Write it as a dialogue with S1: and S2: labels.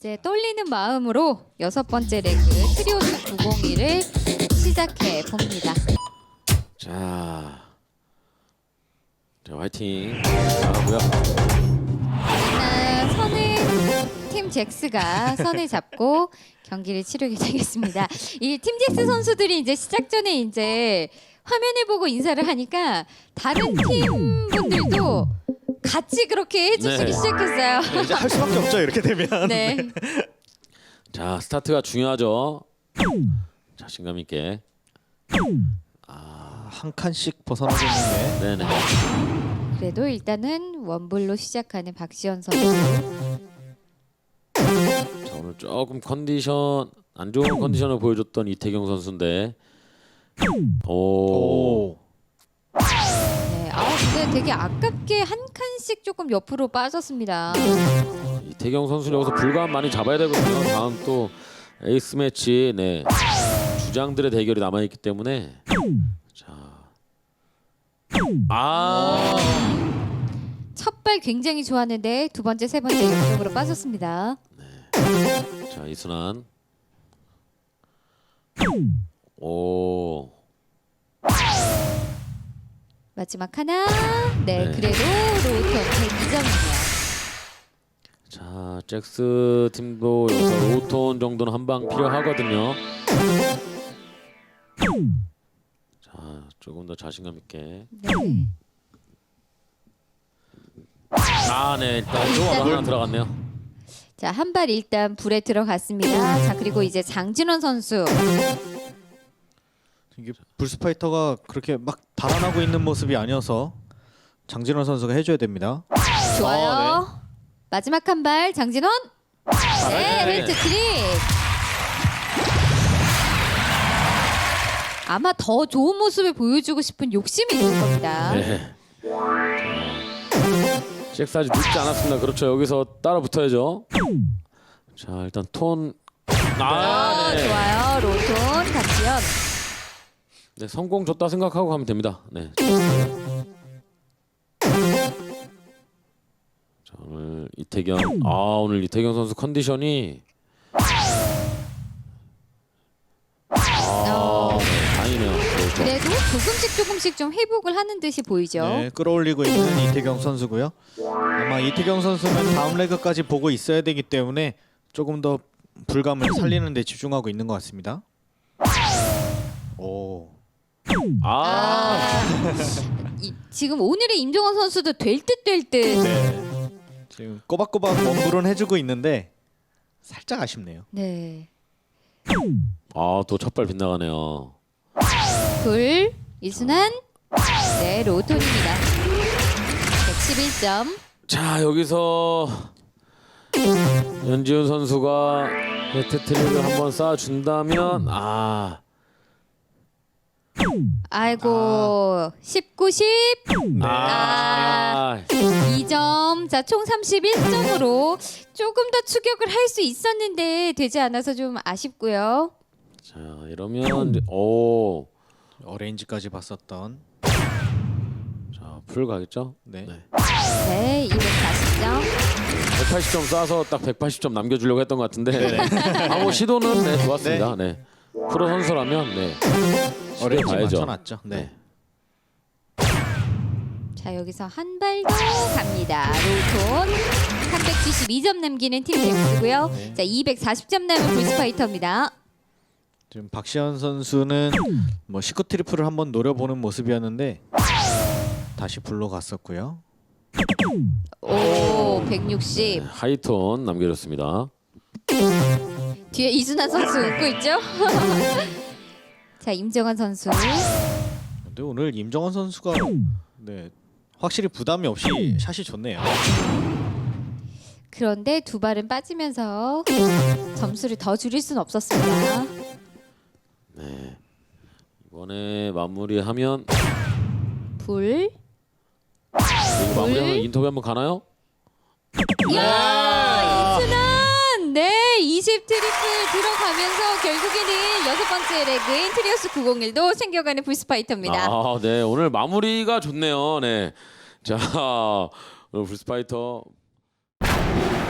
S1: 이제 떨리는 마음으로 6번째 레그 트리오스 901을 시작해 봅니다.
S2: 자, 화이팅 나가고요.
S1: 일단 선을 팀 잭스가 선을 잡고 경기를 치르게 되겠습니다. 이 팀 잭스 선수들이 이제 시작 전에 이제 화면을 보고 인사를 하니까 다른 팀 분들도 같이 그렇게 해주시기
S2: 네.
S1: 시작했어요.
S3: 네, 이제 할 수밖에 없죠. 이렇게 되면.
S1: 네.
S2: 자, 스타트가 중요하죠. 자신감 있게.
S3: 한 칸씩 벗어나겠는데.
S2: 네네.
S1: 그래도 일단은 원불로 시작하는 박시현 선수.
S2: 자, 오늘 조금 컨디션 안 좋은 컨디션을 보여줬던 이태경 선수인데. 오.
S1: 네. 근데 되게 아깝게 한 칸씩 조금 옆으로 빠졌습니다.
S2: 이태경 선수는 여기서 불감 많이 잡아야 되거든요. 다음 또 에이스 매치, 네, 주장들의 대결이 남아 있기 때문에. 자,
S1: 첫 발 굉장히 좋았는데 두 번째, 세 번째 옆쪽으로 빠졌습니다.
S2: 자 이순환. 오.
S1: 마지막 하나. 네,
S2: 네.
S1: 그래도 로우톤 102점이네요.
S2: 자, 잭스 팀도 여기서 로톤 정도는 한 방 필요하거든요. 자, 조금 더 자신감 있게.
S1: 네.
S2: 네, 일단 조금 하나 들어갔네요.
S1: 자, 한 발 일단 불에 들어갔습니다. 자, 그리고 이제 장진원 선수.
S3: 이게 불스파이터가 그렇게 막 달아나고 있는 모습이 아니어서 장진원 선수가 해줘야 됩니다.
S1: 좋아요. 마지막 한 발 장진원. 네, 헬트 트릭. 아마 더 좋은 모습을 보여주고 싶은 욕심이 있을 겁니다.
S2: 네. 잭스 아직 늦지 않았습니다. 그렇죠. 여기서 따라 붙어야죠. 자, 일단 톤. 네.
S1: 좋아요. 로톤 박지현.
S2: 네, 성공 줬다 생각하고 가면 됩니다. 네. 자, 오늘 이태경. 오늘 이태경 선수 컨디션이 네, 다행이네요. 그렇죠.
S1: 그래도 조금씩 좀 회복을 하는 듯이 보이죠.
S3: 네, 끌어올리고 있는 이태경 선수고요. 아마 이태경 선수는 다음 레그까지 보고 있어야 되기 때문에 조금 더 불감을 살리는 데 집중하고 있는 것 같습니다. 오.
S1: 지금 오늘의 임종원 선수도 될 듯 될 듯.
S3: 네. 지금 꼬박꼬박 원불은 해주고 있는데 살짝 아쉽네요.
S1: 네.
S2: 또 첫 발 빗나가네요.
S1: 불 이순환. 네, 로톤입니다. 111점.
S2: 자, 여기서 연지훈 선수가 헤트트릭을 한번 쏴준다면
S1: 아이고 19, 10. 2점. 자, 총 31점으로 조금 더 추격을 할 수 있었는데 되지 않아서 좀 아쉽고요.
S2: 자, 이러면 이제,
S3: 어레인지까지 봤었던.
S2: 자, 풀 가겠죠?
S3: 네.
S1: 네, 240점.
S2: 180점 쏴서 딱 180점 남겨주려고 했던 것 같은데 뭐 시도는 네, 좋았습니다. 네. 프로 선수라면 네.
S3: 어레인지
S2: 가야죠.
S3: 맞춰놨죠. 네.
S1: 자, 여기서 한 발 더 갑니다. 로톤 372점 남기는 팀 잭스고요.
S3: 네.
S1: 자, 240점 남은 불스파이터입니다.
S3: 지금 박시현 선수는 뭐 19 트리플을 한번 노려보는 모습이었는데 다시 불로 갔었고요.
S1: 오, 160.
S2: 하이톤 남겨줬습니다.
S1: 뒤에 이순환 선수 웃고 있죠? 자, 임정환 선수.
S3: 근데 오늘 임정원 선수가 확실히 부담이 없이 샷이 좋네요.
S1: 그런데 두 발은 빠지면서 점수를 더 줄일 수는 없었습니다.
S2: 네. 이번에 마무리하면
S1: 불.
S2: 이거 마무리하면 인터뷰 한번 가나요?
S1: 이야, 이순환! 네, 20 트리플 들어가면서 결국에는 6번째 레그인 트리오스 901도 챙겨가는 불스파이터입니다.
S2: 네. 오늘 마무리가 좋네요. 네. 자, 오늘 불스파이터